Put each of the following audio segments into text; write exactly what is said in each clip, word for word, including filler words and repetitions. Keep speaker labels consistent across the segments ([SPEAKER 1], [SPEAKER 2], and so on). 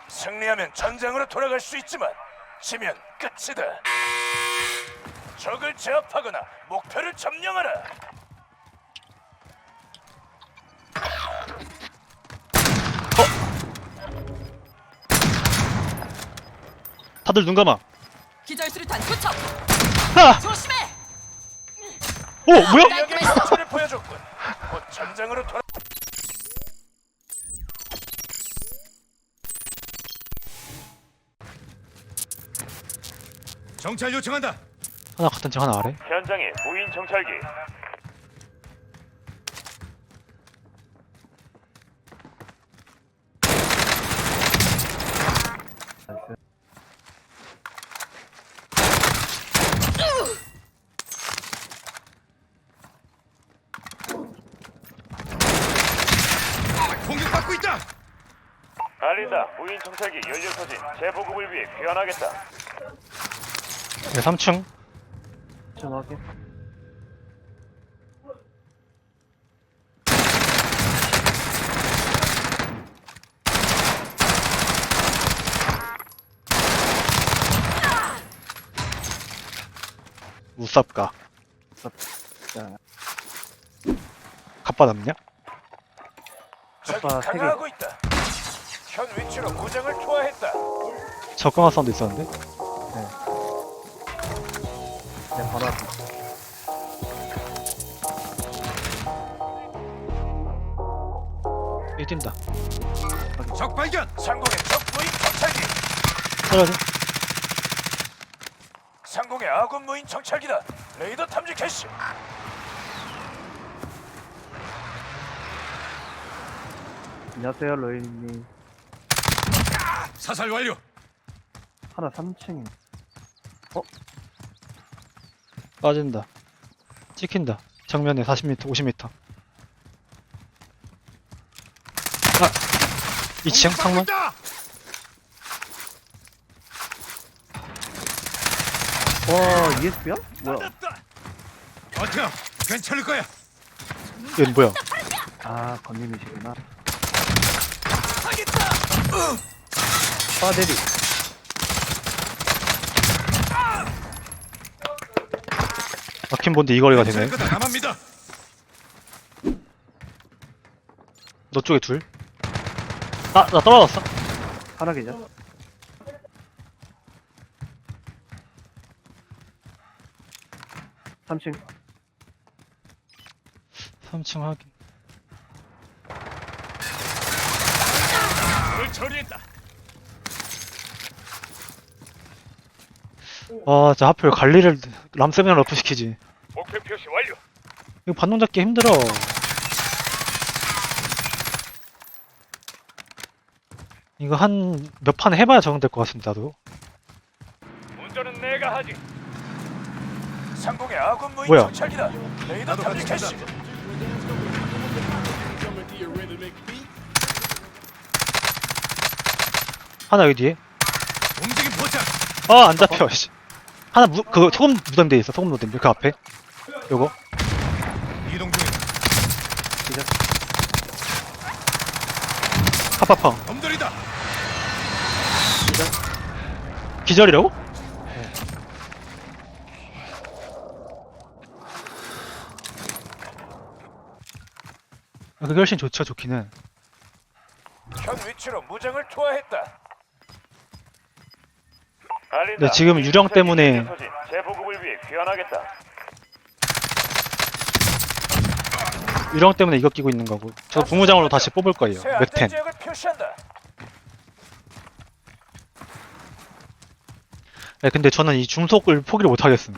[SPEAKER 1] 승리하면 전장으로 돌아갈 수 있지만 지면 끝이다. 적을 제압하거나 목표를 점령하라.
[SPEAKER 2] 다들 눈 감아.
[SPEAKER 3] 기절수류탄 투척.
[SPEAKER 2] 아!
[SPEAKER 3] 조심해.
[SPEAKER 2] 오 뭐야?
[SPEAKER 1] 여기 전투를 보여줬군. 곧 전장으로 돌아.
[SPEAKER 4] 정찰 요청한다.
[SPEAKER 2] 하나 같은 층 하나 아래.
[SPEAKER 1] 현장에 무인 정찰기.
[SPEAKER 4] 공격받고 있다.
[SPEAKER 1] 알린다. 무인 정찰기 연료 소진 재보급을 위해 귀환하겠다.
[SPEAKER 2] 네, 삼 층.
[SPEAKER 5] 전화기.
[SPEAKER 2] 우쌉가.
[SPEAKER 5] 자,
[SPEAKER 2] 갑바 남냐?
[SPEAKER 1] 적이
[SPEAKER 5] 아빠, 세 개.
[SPEAKER 1] 강화하고 있다. 현 위치로 무장을 투하했다.
[SPEAKER 2] 적강화 사운드 있었는데.
[SPEAKER 5] 내 바로 앞에.
[SPEAKER 2] 이 뛴다.
[SPEAKER 4] 적 발견.
[SPEAKER 1] 상공의 적 무인 정찰기.
[SPEAKER 2] 떨어져.
[SPEAKER 1] 상공의 아군 무인 정찰기다. 레이더 탐지 캐시.
[SPEAKER 5] 안녕하세요, 로이님.
[SPEAKER 4] 사살 완료.
[SPEAKER 5] 하나 삼 층.
[SPEAKER 2] 빠진다. 찍힌다. 정면에 사십 미터, 오십 미터. 아! 이 층 상문.
[SPEAKER 4] 있다.
[SPEAKER 5] 와, 이에스피야? 뭐야?
[SPEAKER 4] 버텨. 괜찮을 거야.
[SPEAKER 2] 얘는 뭐야?
[SPEAKER 5] 아, 건님이시구나.
[SPEAKER 4] 하겠다.
[SPEAKER 5] 아, 내리.
[SPEAKER 2] 막힌 본데 이 거리가 되네.
[SPEAKER 4] 괜찮을 거다. 나만 믿어.
[SPEAKER 2] 너 쪽에 둘. 아! 나 떨어졌어.
[SPEAKER 5] 하나 계죠? 삼 층.
[SPEAKER 2] 삼 층 확인.
[SPEAKER 4] 그걸 처리했다.
[SPEAKER 2] 와, 저 하필 관리를 람세븐을 러프 시키지.
[SPEAKER 1] 목표 표시 완료.
[SPEAKER 2] 이거 반동 잡기 힘들어. 이거 한 몇 판 해봐야 적응될 것 같습니다, 나도.
[SPEAKER 1] 운전은 내가 하지. 상공의 아군 무인
[SPEAKER 2] 뭐야?
[SPEAKER 1] 정찰기다. 레이더
[SPEAKER 4] 나도
[SPEAKER 1] 탐지
[SPEAKER 4] 같이
[SPEAKER 1] 캐시.
[SPEAKER 4] 간다.
[SPEAKER 2] 하나 여기 뒤에.
[SPEAKER 4] 움직임 포착.
[SPEAKER 2] 아, 안 잡혀, 씨. 하나 무, 그 소금 무덤돼 있어, 소금 무덤. 그 앞에. 요거.
[SPEAKER 4] 이동 중이다.
[SPEAKER 5] 계죠?
[SPEAKER 2] 파파파.
[SPEAKER 4] 놈들이다.
[SPEAKER 2] 기절이라고? 아, 그게 훨씬 좋죠, 좋기는.
[SPEAKER 1] 현 위치로 무장을 투하했다. 알린다.
[SPEAKER 2] 근데 지금
[SPEAKER 1] 무인
[SPEAKER 2] 유령
[SPEAKER 1] 정찰기
[SPEAKER 2] 때문에-
[SPEAKER 1] 연료 소진 재보급을 위해 귀환하겠다.
[SPEAKER 2] 유령 때문에 이거 끼고 있는 거고. 저 부무장으로 다시 뽑을 거예요.
[SPEAKER 1] 새 안전
[SPEAKER 2] 맥텐.
[SPEAKER 1] 지역을 표시한다.
[SPEAKER 2] 네, 근데 저는 이 중속을 포기를 못 하겠음.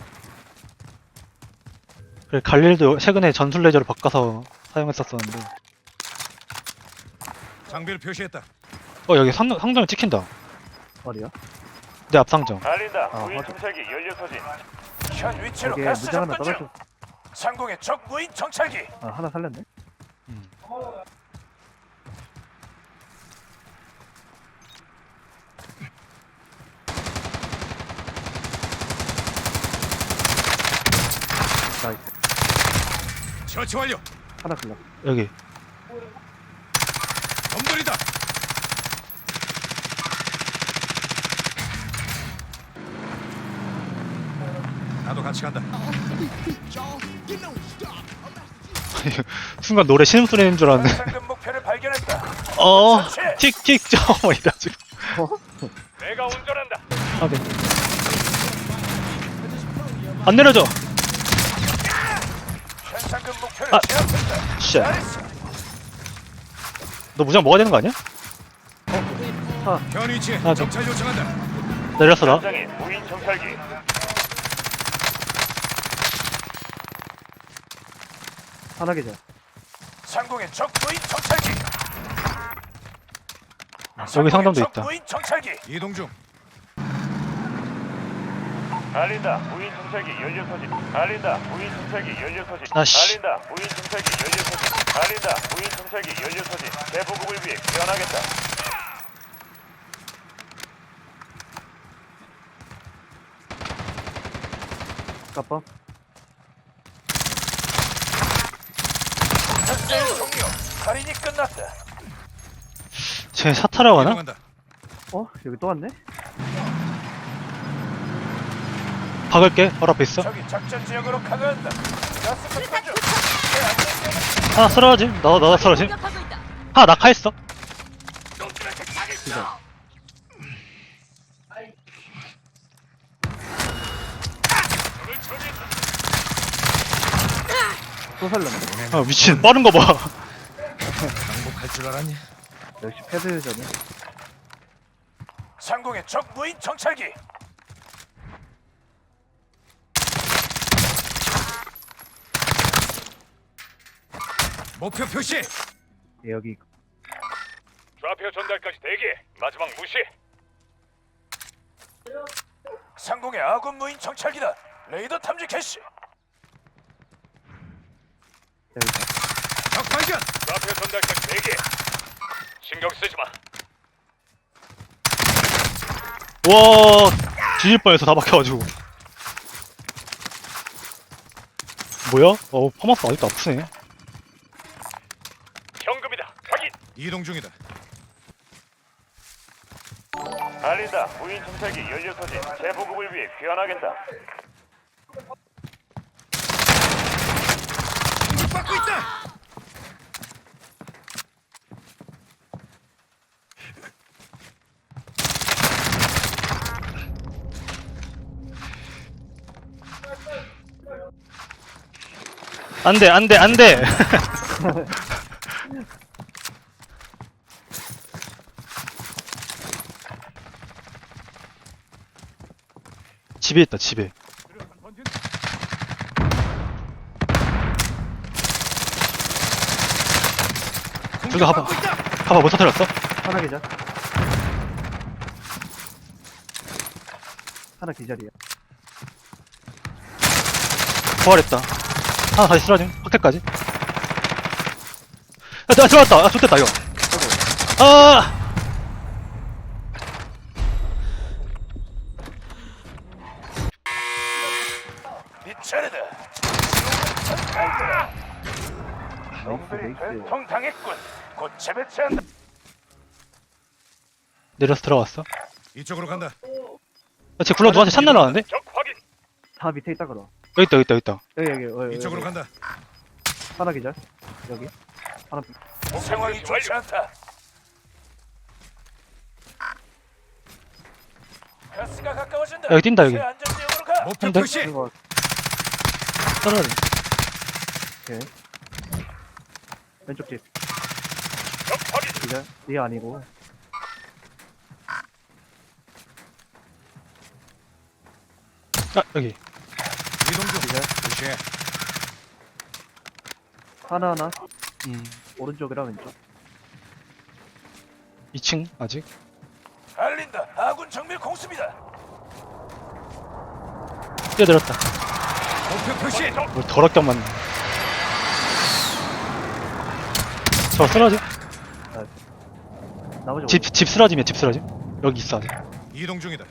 [SPEAKER 2] 그래, 갈릴도 최근에 전술 레저를 바꿔서 사용했었었는데.
[SPEAKER 4] 장비를 표시했다.
[SPEAKER 2] 어, 여기 상, 상점이 찍힌다.
[SPEAKER 5] 어디야?
[SPEAKER 2] 내 앞 상점.
[SPEAKER 1] 알린다.
[SPEAKER 5] 아,
[SPEAKER 1] 무인
[SPEAKER 5] 맞아.
[SPEAKER 1] 정찰기 연료 소진. 현 위치로
[SPEAKER 5] 여기에
[SPEAKER 1] 가스
[SPEAKER 5] 무장 하나
[SPEAKER 1] 접근 중.
[SPEAKER 5] 떨어졌어.
[SPEAKER 1] 상공의 적 무인 정찰기.
[SPEAKER 5] 아, 하나 살렸네.
[SPEAKER 2] 음.
[SPEAKER 5] 나이스.
[SPEAKER 4] 처치 완료.
[SPEAKER 5] 하나 클럽.
[SPEAKER 2] 여기.
[SPEAKER 4] 놈들이다. 나도 같이 간다.
[SPEAKER 2] 순간 노래 신음소리 내는 줄 알았네.
[SPEAKER 1] 상급 목표를 발견했다.
[SPEAKER 2] 어, 틱틱 저 이래가지고.
[SPEAKER 1] 내가 운전한다.
[SPEAKER 2] 아, 네. 안 내려져.
[SPEAKER 1] 현상급 목표를
[SPEAKER 2] 아.
[SPEAKER 1] 제압했다.
[SPEAKER 2] 쉣.
[SPEAKER 1] 잘했어.
[SPEAKER 2] 너 무장 먹어야 되는 거 아니야?
[SPEAKER 4] 현 위치에
[SPEAKER 2] 아, 저-
[SPEAKER 4] 정찰 요청한다.
[SPEAKER 2] 내렸어 나.
[SPEAKER 1] 현장에 무인 정찰기.
[SPEAKER 5] 하나 계절.
[SPEAKER 1] 상공의 적 무인 정찰기.
[SPEAKER 2] 여기 상담도
[SPEAKER 1] 적
[SPEAKER 2] 있다.
[SPEAKER 1] 무인 정찰기.
[SPEAKER 4] 이동 중.
[SPEAKER 1] 알린다. 무인 정찰기 연료 소진. 알린다. 무인 정찰기 연료 소진.
[SPEAKER 2] 아씨.
[SPEAKER 1] 알린다. 무인 정찰기 연료 소진. 알린다. 무인 정찰기 연료 소진. 재보급을 위해 귀환하겠다.
[SPEAKER 5] 까빠.
[SPEAKER 1] 작전 종료. 할인이 끝났다.
[SPEAKER 2] 쟤 사타라고 하나?
[SPEAKER 4] 이동한다.
[SPEAKER 5] 어? 여기 또 왔네?
[SPEAKER 2] 박을게. 바로 앞에 있어.
[SPEAKER 1] 적이 작전 지역으로 강화한다. 가스 폭탄 중. 제 안전지역을
[SPEAKER 2] 하나 쓰러짐. 나도 나도 쓰러짐.
[SPEAKER 3] 공격하고 있다.
[SPEAKER 2] 하나 낙하했어.
[SPEAKER 1] 놈들한테 당했어. 적을 처리했다.
[SPEAKER 5] 또 살렸네.
[SPEAKER 2] 아 미친. 빠른 거 봐.
[SPEAKER 4] 항복할 줄 알았니?
[SPEAKER 5] 역시 패드전이.
[SPEAKER 1] 상공의 적 무인 정찰기.
[SPEAKER 4] 목표 표시.
[SPEAKER 5] 예, 여기.
[SPEAKER 1] 좌표 전달까지 대기. 마지막 무시. 상공의 아군 무인 정찰기다. 레이더 탐지 캐시.
[SPEAKER 5] 여기.
[SPEAKER 4] 적 발견.
[SPEAKER 1] 좌표 전달까지 대기. 신경 쓰지 마.
[SPEAKER 2] 와 뒤질 뻔해서 다 박혀가지고. 뭐야? 어 파마스 아직도 아프네.
[SPEAKER 1] 현금이다. 확인.
[SPEAKER 4] 이동 중이다.
[SPEAKER 1] 알린다. 무인 정찰기 연료 소진. 재보급을 위해 귀환하겠다.
[SPEAKER 4] 공격받고 있다.
[SPEAKER 2] 안돼 안돼 안돼. 집에 있다 집에. 저기 가봐.
[SPEAKER 4] 공격받고 있다.
[SPEAKER 2] 가봐 못 터뜨렸어?
[SPEAKER 5] 하나 계절. 하나 계절이야.
[SPEAKER 2] 부활했다. 하나 다시 쓰러짐. 확대까지. 야, 나 들어왔다. 아, 좋됐다, 이거. 아!
[SPEAKER 1] 네 차례다. 놈들이 별통 당했군. 곧 재배치한다.
[SPEAKER 2] 내려서 들어왔어.
[SPEAKER 4] 이쪽으로 간다.
[SPEAKER 2] 야, 쟤 굴러 누구한테 샷 날라왔는데?
[SPEAKER 1] 적 확인.
[SPEAKER 5] 다 밑에 있다 그럼.
[SPEAKER 2] 여기 있다, 여기 있다, 여기 있다.
[SPEAKER 5] 여기 여기. 어, 여기,
[SPEAKER 4] 이쪽으로
[SPEAKER 5] 여기.
[SPEAKER 4] 간다.
[SPEAKER 5] 하나 계절. 여기. 하나.
[SPEAKER 1] 상황이 좋지 않다. 가스가 가까워진다.
[SPEAKER 2] 여기 뛴다, 여기.
[SPEAKER 1] 새 안전지역으로 가.
[SPEAKER 4] 목표
[SPEAKER 2] 한대?
[SPEAKER 4] 표시.
[SPEAKER 5] 이거.
[SPEAKER 2] 떨어져.
[SPEAKER 5] 오케이. 왼쪽 집.
[SPEAKER 1] 적 확인.
[SPEAKER 5] 계절. 이게 아니고.
[SPEAKER 2] 아, 여기.
[SPEAKER 4] 이동 중.
[SPEAKER 5] 계절.
[SPEAKER 4] 표시해.
[SPEAKER 5] 하나 하나.
[SPEAKER 2] 음.
[SPEAKER 5] 오른쪽이랑 왼쪽.
[SPEAKER 2] 이 층, 아직.
[SPEAKER 1] 알린다. 아군 정밀 공습이다.
[SPEAKER 2] 뛰어들었다.
[SPEAKER 4] 목표 표시.
[SPEAKER 2] 뭘 더럽게 안 맞네. 저 쓰러짐.
[SPEAKER 5] 나머지
[SPEAKER 2] 집, 집 쓰러짐이야, 집 쓰러짐. 여기 있어, 아직.
[SPEAKER 4] 이동 중이다.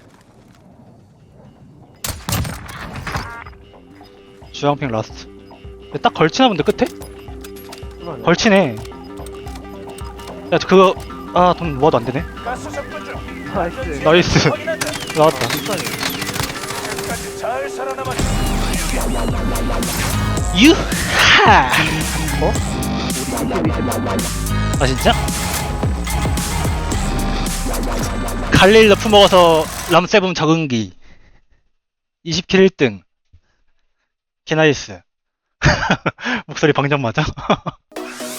[SPEAKER 2] 주황핑 라스트. 근데 딱 걸치나 본데, 끝에?
[SPEAKER 5] 오른쪽.
[SPEAKER 2] 걸치네. 야, 저 그거, 아, 돈 모아도 안 되네.
[SPEAKER 1] 가스 접근 중.
[SPEAKER 5] 나이스.
[SPEAKER 2] 나이스.
[SPEAKER 1] 확인한다.
[SPEAKER 2] 나왔다.
[SPEAKER 5] 불쌍해.
[SPEAKER 1] 끝까지 잘 살아남았다.
[SPEAKER 2] 유하!
[SPEAKER 5] 어? 우리 팀
[SPEAKER 2] 아 진짜? 갈릴러 품먹어서 람세븐 적응기 이십 킬 일 등 개나이스. 목소리 방정 맞아?